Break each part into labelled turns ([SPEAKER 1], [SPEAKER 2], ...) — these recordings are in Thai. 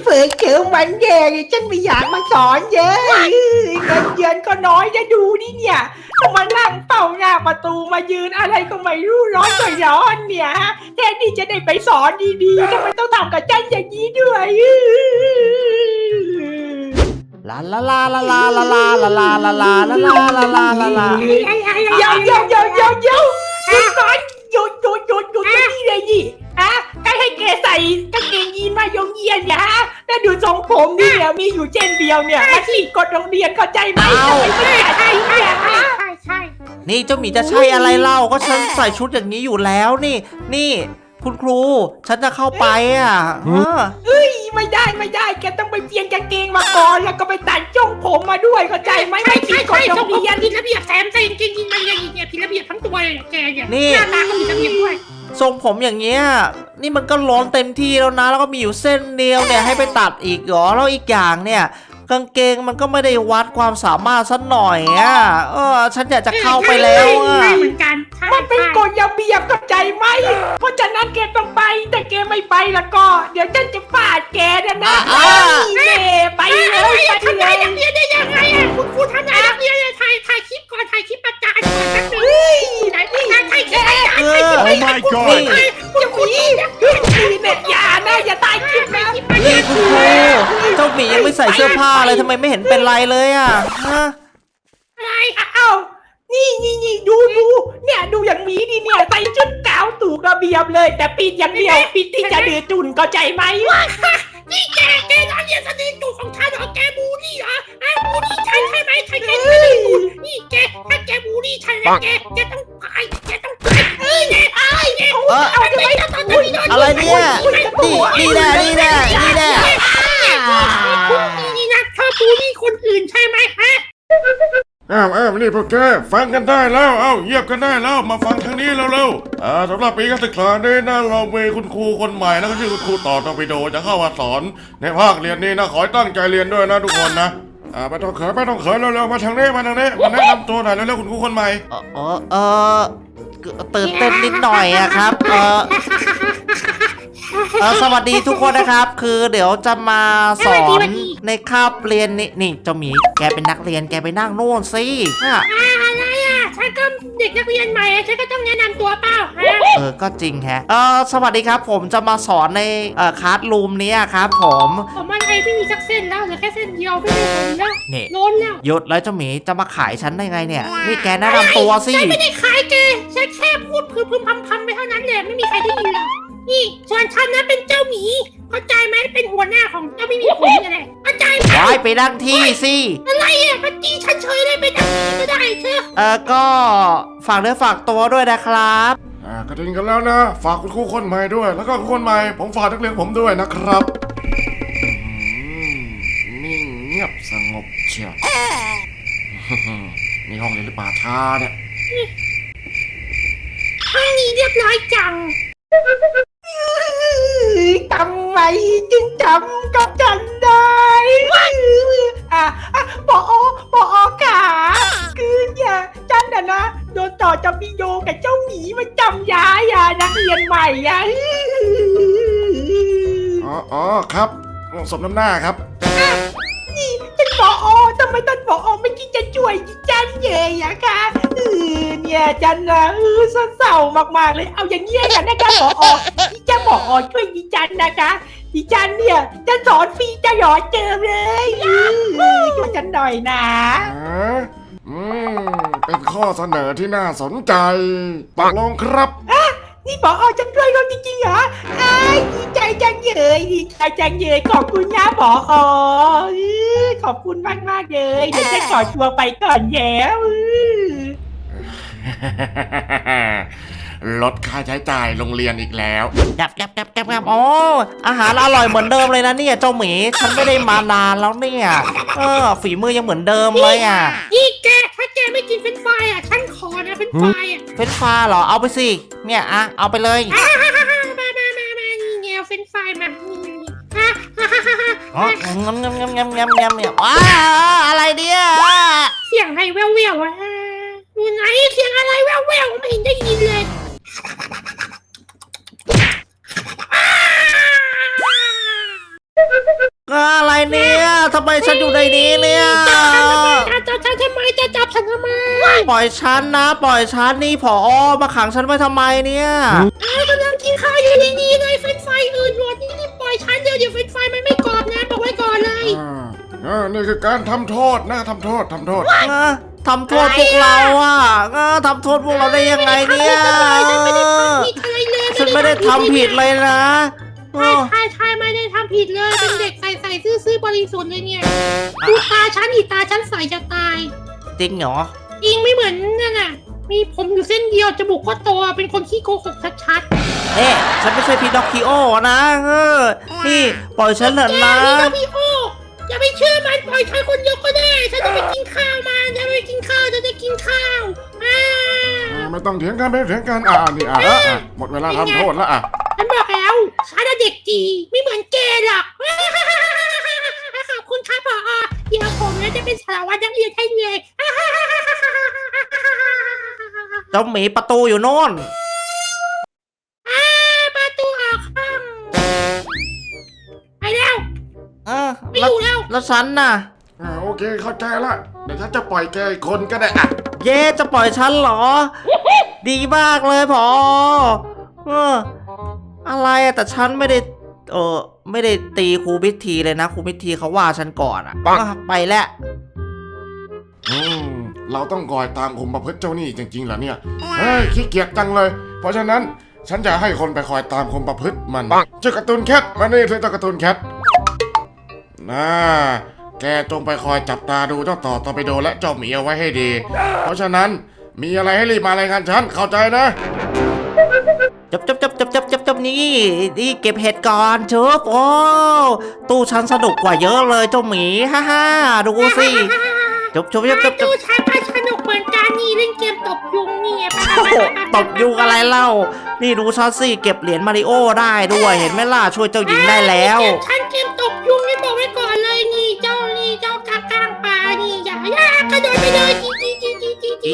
[SPEAKER 1] เปิดเทอมวันแรกฉันไม่อยากมาสอนเยอะเงินเดือนก็น้อยจะดูนี่เนี่ยต้องมานั่งเฝ้าหน้าประตูมายืนอะไรก็ไม่รู้ร้อนก็ร้อนเนี่ยฮะแทนที่จะได้ไปสอนดีๆทำไมต้องทำกับฉันอย่างนี้ด้วย
[SPEAKER 2] ลาลาลาลาลาลาลาลาลาลาลาลาลาลาลาลาลา
[SPEAKER 1] เดี๋ยวหยุดก่อนหยุดอย่างนี้เลยดิฮะใครให้แกใส่กางเกงยีนมายงเยียนเนี่ยฮะแล้วดูทรงผมนี่เนี่ยมีอยู่เช่นเดียวเนี่ยมาฉีกกฎโรงเรียนเข้าใจไหมทำไมไม่ใช่เนี่ยฮะ
[SPEAKER 2] นี่เจ้าหมีจะใช่อะไรเล่าก็ฉันใส่ชุดอย่างนี้อยู่แล้วนี่คุณครูฉันจะเข้าไป
[SPEAKER 1] เฮ้ยไม่ได้แกต้องไปเปลี่ยนกางเกงมาก่อนแล้วก็ไปตัดจ้องผมมาด้วยเข้าใจไหมไม่ฉีกกฎโรงเรียน
[SPEAKER 3] ผิดระเบียบแถมใส่กางเกงยีนมาอย่างนี้เนี่ยผิดระเบียบทั้งตัวเลยแกเนี่ยหน้าตาก็ผิดระเบียบด้วย
[SPEAKER 2] ทรงผมอย่างเงี้ยนี่มันก็ร้อนเต็มที่แล้วนะแล้วก็มีอยู่เส้นเดียวเนี่ยให้ไปตัดอีกเหรอแล้วอีกอย่างเนี่ยกางเกงมันก็ไม่ได้วัดความสามารถสักหน่อยฉันอยากจะเข้าไปแล้ว
[SPEAKER 3] เหมือนกัน
[SPEAKER 1] มันเป็นกฎระเบียบเข้าใจไหมเพราะฉะนั้นแกต้องไปแต่แกไม่ไปแล้วก็เดี๋ยวฉันจะฟาดแกนะไปเลย
[SPEAKER 3] ทำไมนักเรียนได้ยังไงคุณครูทำไมนักเรียนถ่ายคลิปก่อนถ่ายคลิปประจานก่อนสักหนึ่งไหนถ่ายคลิปประจาน
[SPEAKER 2] โอ้ my god
[SPEAKER 1] คุณครูเนี่ยอย่าตายคลิปนะ
[SPEAKER 2] นี่คุณครูเจ้าหมียังไม่ใส่เสื้อผ้าเลยทำไมไม่เห็นเป็นไรเลย
[SPEAKER 3] อะไร
[SPEAKER 1] นี่ดูเนี่ยดูอย่างนี้ดิเนี่ยใส่ชุดขาวถูกระเบียบเลยแต่ปิดอย่างเดียวปิดที่จะดื้อจุนเข้าใจไหม
[SPEAKER 3] นี่แกนักเรียนสนิทตัวของฉันเหรอแกบูลลี่เหรอบูลลี่ฉันใช่ไหมใช่ไม่ได้บูลนี่แกถ้าแกบูลลี่ฉันแล้วแกต้องตาย
[SPEAKER 2] อะไรเนี่ยนี่แน่
[SPEAKER 3] นี่นะเธอบูลลี่คนอื่นใช่ไหมฮะ
[SPEAKER 4] นี่พวกแกฟังกันได้แล้วเยียบกันได้แล้วมาฟังทางนี้เร็วสำหรับปีการศึกษานี้นะเรามีคุณครูคนใหม่นะก็ชื่อคุณครูต่อตอร์ปิโดจะเข้ามาสอนในภาคเรียนนี้นะขอให้ตั้งใจเรียนด้วยนะทุกคนนะไม่ต้องเขินเร็วๆมาทางนี้มาแนะนำตัวหน่อยเร็วๆคุณครูคนใหม่
[SPEAKER 2] ตื่นเต้นนิดหน่อยครับสวัสดีทุกคนนะครับคือเดี๋ยวจะมาสอนในคาบเรียนนี่เจ้าหมีแกเป็นนักเรียนแกไปนั่งโน่นสิ
[SPEAKER 3] อะไรฉันก็เด็กนักเรียนใหม่ฉันก็ต้องแนะนำตัวเปล่า
[SPEAKER 2] ก็จริงแฮะสวัสดีครับผมจะมาสอนในคลาสรูมนี้ครับผม
[SPEAKER 3] อะไรไม่มีสักเส้นแล้วเหลือแค่เส้นเดียวไม่ได้ผลแล้วล้นแล้ว
[SPEAKER 2] หยุดแล้วเจ้าหมีจะมาขายฉันได้ไงเนี่ยนี่แกแนะนำตัวสิ
[SPEAKER 3] ฉันไม่ได้ขายแกฉันแค่พูดพึมพำไปเท่านั้นแหละไม่มีใครได้ยินหรอกนี่ส่วนฉันนะเป็นเจ้าหมีเข้าใจไหมเป็นหัวหน้าของเจ้าไม่มีผมอะไรเข้าใจไหม
[SPEAKER 2] ไปนั่งที่สิ
[SPEAKER 3] อะไรมันตีฉันเฉยเลยไปนั่งที่ก็ได้เถอะ
[SPEAKER 2] ก็ฝากเนื้อฝากตัวด้วยนะครับ
[SPEAKER 4] กระดิ่งกันแล้วนะฝากคุณครูคนใหม่ด้วยแล้วก็คุณคนใหม่ผมฝากนักเรียนผมด้วยนะครับนิ่งเงียบสงบเชียวนี่ห้องเรียนหรือป่าช้าเนี่ย
[SPEAKER 3] ห้องนี้เรียบร้อยจัง
[SPEAKER 1] ทำไมจึงจำกับฉันได้ปอขาคือเนี่ยฉันนะโดนต่อจำปีโยกับเจ้าหมีมาจำย้ายนักเรียนใหม่
[SPEAKER 4] ครับสมน้ำหน้าครับ
[SPEAKER 1] นี่ท่านปอทำไมท่านปอไม่คิดจะช่วยฉันเลยคะเนี่ยฉันนะเศร้ามากๆเลยเอาอย่างเงี้ยกันนะคะปอที่จะปอช่วยดิฉันนะคะดิฉันเนี่ยจะสอนฟรีจะหยอดเจอเลยช่วยฉันหน่อยนะ
[SPEAKER 4] เป็นข้อเสนอที่น่าสนใจตกลงครับ
[SPEAKER 1] นี่ปอจะช่วยเราจริงๆเหรอดีใจจังเลยขอบคุณนะปอขอบคุณมากเลยเดี๋ยวจะขอตัวไปก่อนแย้ว
[SPEAKER 4] ลดค่าใช้จ่ายโรงเรียนอีกแล้ว
[SPEAKER 2] กับอาหารอร่อยเหมือนเดิมเลยนะเนี่ยเจ้าหมีฉันไม่ได้มานานแล้วเนี่ยฝีมือยังเหมือนเดิมเลย
[SPEAKER 3] นี่แกถ้าแกไม่กินเฟรนช์ฟรายฉันขอนะเฟรนช์ฟราย
[SPEAKER 2] เฟรนช์ฟรายเหรอเอาไปสิเนี่ยเอาไปเลย
[SPEAKER 3] มานี่แนวเฟรนช์ฟรายมา
[SPEAKER 2] อะไรเนี่ย
[SPEAKER 3] เสียงอะไรแว่วอยู่ไหนเสียงอะไรแว่วไม่เห็นได้ยินเลย
[SPEAKER 2] อยู่ในนี้เนี่ย
[SPEAKER 3] จับฉันทำไมจะจับฉันทำไม
[SPEAKER 2] ปล่อยฉันนะ ปล่อยฉันนี่ผอมาขังฉันไว้ทำไมเนี่ย
[SPEAKER 3] กำลังกินข้าวอยู่ดีๆเลยเฟรนช์ฟรายอื่นหมดนี่ปล่อยฉันเดี๋ยวเฟรนช์ฟรายมันไม่กรอบนะบอกไว้ก่อนเลย
[SPEAKER 4] นี่คือการทำโทษนะทำโทษ
[SPEAKER 2] ทำโทษพวกเราทำโทษพวกเราได้ยังไงเนี่ย ฉันไม่ได้ทำผิดเลยนะ
[SPEAKER 3] ใช่ไม่ได้ทำผิดเลยเป็นเด็กใส่ซื่อบริสุทธิ์เลยเนี่ยดูตาฉันอีตาฉันใสจะตาย
[SPEAKER 2] จริงเหรอ
[SPEAKER 3] จริงไม่เหมือนนั่นน่ะมีผมอยู่เส้นเดียวจมูกก็โตเป็นคนขี้โกหกชัด
[SPEAKER 2] เอ๊ะฉันไม่ใช่พีนอคคิโอนะนี่ปล่อยฉันเถอะ
[SPEAKER 3] ๆ
[SPEAKER 2] นะ
[SPEAKER 3] นี่ก็พี่โออย่าไปเชื่อมันปล่อยฉันคนเดียวก็ได้ฉันจะไปกินข้าวมาจะไปกินข้าวจะกินข้าว
[SPEAKER 4] ไม่ต้องเถียงกันไม่ต้องเถียงกันนี่หมดเวลาทำโทษแล้ว
[SPEAKER 3] ฉันบอกแล้วฉันเด็กดีไม่เหมือนแกหรอกขอบคุณครับผอเดี๋ยวผมจะเป็นสารวัตรนักเรียนให้เลย
[SPEAKER 2] เจ้าหมีประตูอยู่โน่น
[SPEAKER 3] ประตูออกห้องไปแล้ว ไม่อยู่แล้ว
[SPEAKER 2] แล้วฉันน่ะ
[SPEAKER 4] โอเคเข้าใจละเดี๋ยวฉันจะปล่อยแกอีกคนก็ได้
[SPEAKER 2] เย้จะปล่อยฉันเหรอ ดีมากเลยพออะไรแต่ฉันไม่ได้ตีครูพิธีเลยนะครูพิธีเขาว่าฉันก่อนไปแล้ว
[SPEAKER 4] เราต้องคอยตามคุมประพฤติเจ้านี่จริงๆเหรอเนี่ยเฮ้ยขี้เกียจจังเลยเพราะฉะนั้นฉันจะให้คนไปคอยตามคุมประพฤติมันเจ้าการ์ตูนแคทมานี่เจ้าการ์ตูนแคทแกจงไปคอยจับตาดูเจ้าต่อตอร์ปิโดและเจ้าหมีเอาไว้ให้ดีเพราะฉะนั้นมีอะไรให้รีบมารายงานฉันเข้าใจนะ
[SPEAKER 2] จับนี่เก็บเห็ดก่อนเชิบโอ้ตู้ฉันสนุกกว่าเยอะเลยเจ้าหมีฮ่าดูสิจบ
[SPEAKER 3] ดูฉันสนุกเหมือนกันนี่เล่นเกมตบยุงนี่
[SPEAKER 2] ตบยุงอะไรเล่านี่ดูฉันสิเก็บเหรียญมาริโอได้ด้วยเห็นไหมล่ะช่วยเจ้าหญิงได้แล้ว
[SPEAKER 3] ฉันเกมตบยุงนี่บอกไว้ก่อนเลยนี่เจ้ากางปลานี่อย่ากระโดดไปเลยจี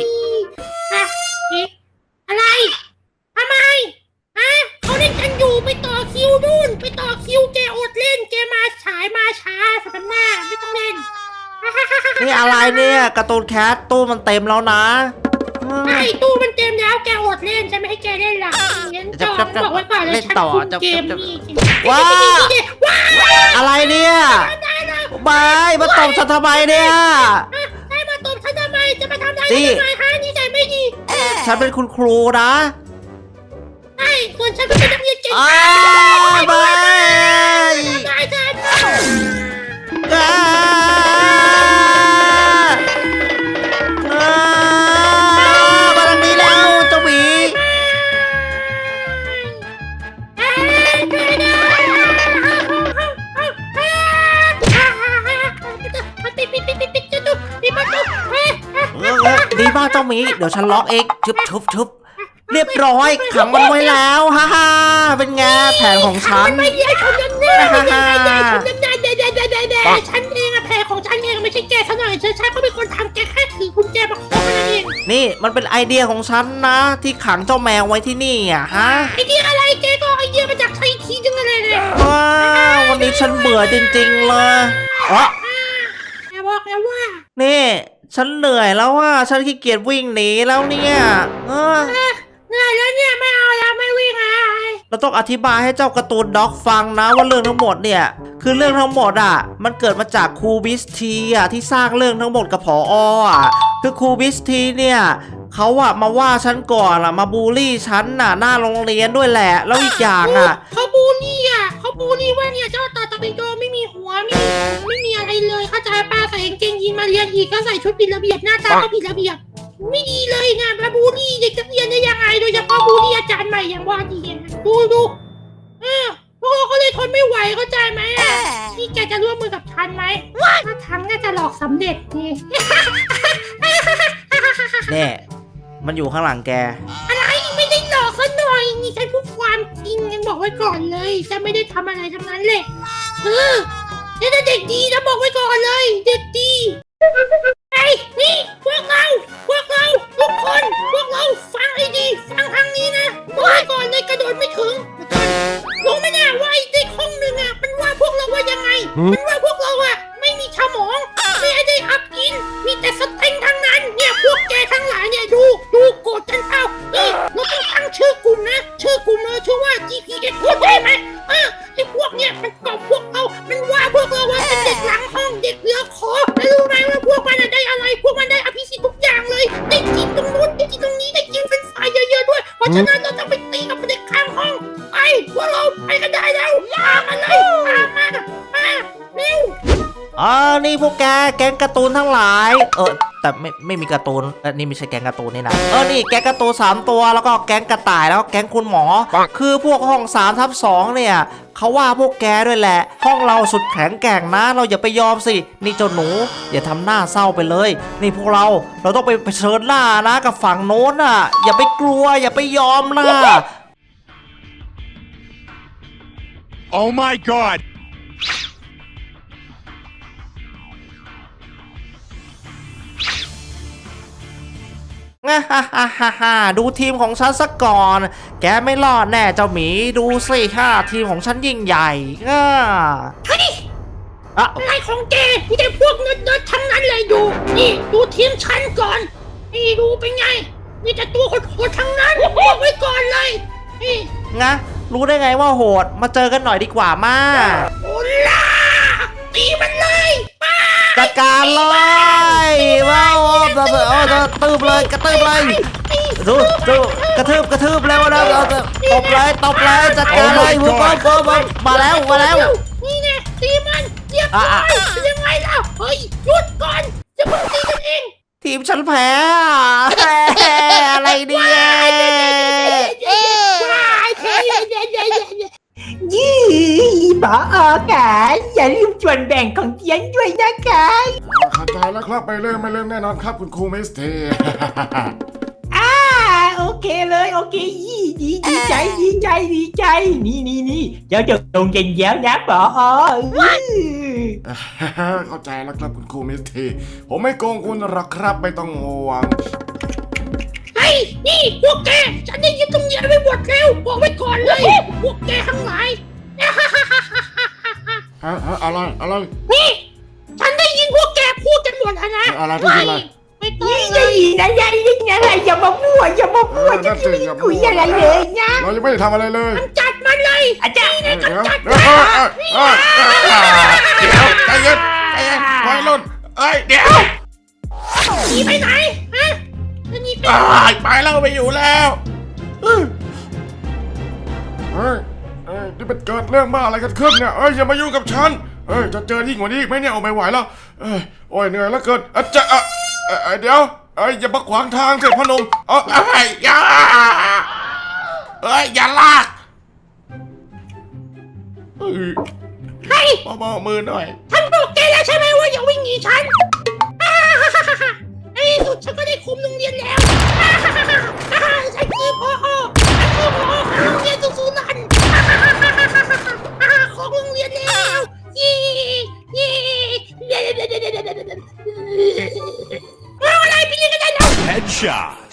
[SPEAKER 3] อะไรทำไมเขาเล่นกันอยู่ไปต่อคิวนู่นไปต่อคิวแกอดเล่นแกมาฉายมาช้าสัปดาห์ไม่ต้องเล่น
[SPEAKER 2] นี่อะไรเนี่ยการ์ตูนแคทตู้มันเต็มแล้วนะ
[SPEAKER 3] ตู้มันเต็มแล้วแกอดเล่นฉันไม่ให้แกเล่นหรอกบอกไว้ก่อนเลยฉันคุมเกมนี่
[SPEAKER 2] ว้าอะไรเนี่ยบายมาตบฉันทำไมเนี่ย
[SPEAKER 3] มาตบฉันทำไมจะมาทำอะไรทำไมฮะนี่ใจไม่ดี
[SPEAKER 2] ฉันเป็นคุณครูนะ
[SPEAKER 3] ส่วนฉันเป็นนักเรียนเก่ง
[SPEAKER 2] บายมาทางนี้แล้วเจ้าหมีดีมากเจ้าหมีเดี๋ยวฉันล็อกเองชุบเรียบร้อยขังมันไว้แล้วฮ่าเป็นไงแผนของฉัน
[SPEAKER 3] ไม่ใช่คนนั้นฉันเองอะแผนของฉันเองไม่ใช่แกซะหน่อยฉันก็เป็นคนทำแกแค่ถือกุญแจมาคล้องนั่นเอง
[SPEAKER 2] นี่มันเป็นไอเดียของฉันนะที่ขังเจ้าแมวไว้ที่นี่อะฮะ
[SPEAKER 3] ไอเดียอะไรแกก็ไอเดียมาจากใครทีจังเลย
[SPEAKER 2] วันนี้ฉันเบื่อจริงๆเลย
[SPEAKER 3] แกบอกแล้วว่า
[SPEAKER 2] นี่ฉันเหนื่อยแล้วว่าฉันขี้เกียจวิ่งหนีแล้วเนี่ย
[SPEAKER 3] เหนื่อยแล้วเนี่ยไม่เอาแล้วไม่วิ่ง
[SPEAKER 2] เราต้องอธิบายให้เจ้าการ์ตูนด็อกฟังนะว่าเรื่องทั้งหมดเนี่ยคือเรื่องทั้งหมดมันเกิดมาจากครูบิสทีที่สร้างเรื่องทั้งหมดกับผอคือครูบิสทีเนี่ยเขามาว่าฉันก่อนมาบูลลี่ฉันหน้าโรงเรียนด้วยแหละแล้วอีกอย่าง
[SPEAKER 3] เขาบูลลี่ว่าเนี่ยเจ้าตาตะเบโดไม่มีหัวไม่มีอะไรเลยเข้าใจป้าใส่กางเกงยีนมาเรียนอีกก็ใส่ชุดผิดระเบียบหน้าตาก็ผิดระเบียบไม่ดีเลยนะมาบูลลี่เด็กนักเรียนได้ยังไงโดยเฉพาะบูลลี่อาจารย์ใหม่อย่างว่าดีดูพวกเราก็เลยทนไม่ไหวเข้าใจไหมนี่แกจะร่วมมือกับฉันไหมถ้าทั้งน่าจะหลอกสำเร็จนี่
[SPEAKER 2] เนี่ยมันอยู่ข้างหลังแก
[SPEAKER 3] อะไรไม่ได้หลอกซะหน่อยนี่ฉันพูดความจริงกันบอกไว้ก่อนเลยฉันไม่ได้ทำอะไรทั้งนั้นเลยนี่เด็กดีนะบอกไว้ก่อนเลยเด็กดีไอ้นี่พวกเราทุกคนพวกเราฟังให้ดีฟังทางนี้นะบอกไว้ก่อนเลยกระโดดไม่ถึงรู้ไหมเนี่ยว่าไอ้เด็กห้องหนึ่งมันว่าพวกเราว่ายังไงมันว่าพวกเราไม่มีสมองมันกอบพวกเรามันว่าพวกเราว่าเป็นเด็กหลังห้องเด็กเหลือขอแล้วรู้ไหมว่าพวกมันได้อะไรพวกมันได้อภิสิทธิ์ทุกอย่างเลยได้กินตรงนู้นได้กินตรงนี้ได้กินเป็นฝ่ายเยอะๆด้วยเพราะฉะนั้นเราต้องไปตีกับเด็กข้างห้องไปพวกเราไปกันได้แล้วมาเลยมาเร็ว
[SPEAKER 2] นี่พวกแก๊งการ์ตูนทั้งหลายแต่ไม่มีการ์ตูนนี่ไม่ใช่แก๊งการ์ตูนนี่นะนี่แก๊งการ์ตูน3ตัวแล้วก็แก๊งกระต่ายแล้วก็แก๊งคุณหมอคือพวกห้อง3/2เนี่ยเขาว่าพวกแกด้วยแหละห้องเราสุดแข็งแกร่งนะเราอย่าไปยอมสินี่เจ้าหนูอย่าทำหน้าเศร้าไปเลยนี่พวกเราต้องไปเผชิญหน้านะกับฝั่งโน้นอ่ะอย่าไปกลัวอย่าไปยอมนะ
[SPEAKER 5] Oh my god!
[SPEAKER 2] ดูทีมของฉันสักก่อนแกไม่รอดแน่เจ้าหมีดูสิทีมของฉันยิ่งใหญ่
[SPEAKER 3] เฮ้ยอะไรของแกมีแต่พวกเนิร์ดๆทั้งนั้นเลยนี่ดูทีมฉันก่อนนี่ดูเป็นไงมีแต่ตัวโหดๆทั้งนั้นบอกไว้ก่อนเลยนี่
[SPEAKER 2] รู้ได้ไงว่าโหดมาเจอกันหน่อยดีกว่ามา
[SPEAKER 3] โอล่าตีมันเลย
[SPEAKER 2] จัดการเลยว้าวตืบเลยกระตืบเลยดูกระทืบแล้วนะตบเลยจัดการเลยมาแล้ว
[SPEAKER 3] นี่ไงตีมันเรียบร้อยยังไงล่ะเฮ้ยหยุดก่อนจะมึงตีกันเอง
[SPEAKER 2] ทีมฉันแพ้อะไรเนี่ย
[SPEAKER 1] ยี่ผอค่ะอย่าลืมส่วนแบ่งของเทียนด้วยนะคะ
[SPEAKER 4] เข้าใจแล้วครับไม่เริ่มแน่นอนครับคุณครูมิสเตอร์
[SPEAKER 1] โอเคเลยโอเคดีใจนี่เดี๋ยวจะลงเย็นแล้วนะผอ
[SPEAKER 4] เข้าใจแล้วครับคุณครูมิสเตอร์ผมไม่โกงคุณหรอกครับไม่ต้องห่วง
[SPEAKER 3] นี่พวกแกฉันได้ยินตรงนี้ไปหมดแล้วบอกไว้ก่อนเลยพวกแกทั้งหลาย
[SPEAKER 4] อะไร
[SPEAKER 3] นี่ฉันได้ยินพวกแกพูดกันหมดแล้วนะ
[SPEAKER 4] อะไรที่อะไร
[SPEAKER 3] ไม่ต้อง
[SPEAKER 1] อะไรอย่ามามั่วจะไม่คุยอะไรเลยนะ
[SPEAKER 4] เรายังไม่ได้ทำอะไรเลย
[SPEAKER 3] จัดมันเลย
[SPEAKER 1] อาจารย์
[SPEAKER 3] จัด
[SPEAKER 4] ใจเย็นไว้รุ่นเดี๋ยว
[SPEAKER 3] หนีไปไหนฮะ
[SPEAKER 4] ไปแล้วไปอยู่แล้วนี่เป็นเกิดเรื่องบ้าอะไรกันขึ้นเนี่ยอย่ามายุ่งกับฉันจะเจอยิ่งกว่านี้อีกไหมเนี่ยไม่ไหวแล้วโอ้ยเหนื่อยแล้วเกินเดี๋ยวอย่ามาขวางทางสิพ่อหนุ่มอย่าลาก
[SPEAKER 3] ให้
[SPEAKER 4] เบามือหน่อย
[SPEAKER 3] ท่านบอกแกแล้วใช่ไหมว่าอย่า